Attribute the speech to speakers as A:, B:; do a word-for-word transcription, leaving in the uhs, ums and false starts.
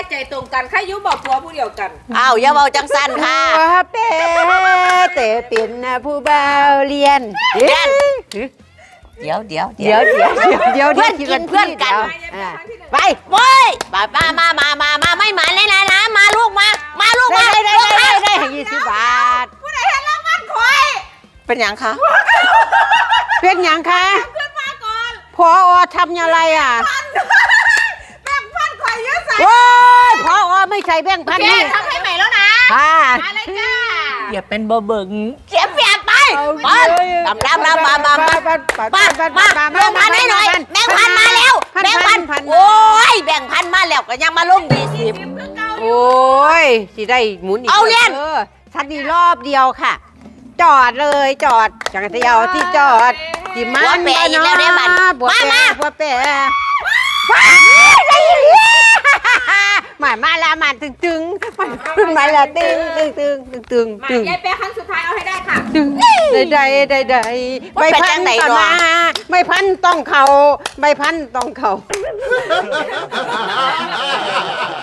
A: ใจตรงกันใครยุบอกผัวผู้เดียวกัน
B: อ้าวอย่าเบาจังสั้นค่ะ
C: ผัวเป้แต่เป็นผู้บ่าวเรียน
B: เรียน เดี๋ยวเดี๋ยว
C: เดี๋ยวเดี๋ยวเดี๋ยวเดี๋ยว
B: เพื่อนกินเพื่อนกัน
C: อ่า
B: ไปเว้ยมามามามามามาไม่หมาเลยนะนะมาลูกมา มาลูกมา
C: ได้ได้
B: ลูก
C: ได้
B: มา
C: ได้ให้ยี่สิบบาท
A: ผู้ใดเห็นรางวัลคอย
B: เป็นอย่างคะ
C: เป็นหยังคะ
A: เพื่อนมาก่อน
C: พออทำอะไรอ่ะ
A: แบ่งพันคอยเยอะใส่
C: โอ้ยพออไม่ใส่แบงค์พัน
A: แก
C: นี่
A: ทำให้ใหม่แล้วนะ
C: ค่ะ
A: มาเลยจ้า
B: อย่าเป็นบ่เบิ่งเสียเปรียบไปไปดำดำดำมามามา มามาแบ่งพันให้หน่อยแบ่งพันมาแล้วแบ่งพันโอ้ยแบ่งพันมาแล้วก็ยังมาลงยี่สิบ
C: โอ้ยสิได้หมุนอีก
B: เอาเรียน
C: ออชัดดีรอบเดียวค่ะ จอดเลยจอดจักรยานที่จอดจิมัน
B: บัวแปะอีกแล้วเด้บัด
C: บัว
B: มา
C: แปะ
B: มา
C: บัวแปะว้ายได้ยินมามาละมาตึงตึงมามาละตึงตึงตึงตึงตึง
A: มา
C: ตึง
A: ยายเป๊ะครั้งสุดท้ายเอาให้ได้ค่ะ
C: ตึงได้ได้ได้ได้ใบพันต่อมาใบพันต้องเข่าใบพันต้องเข่า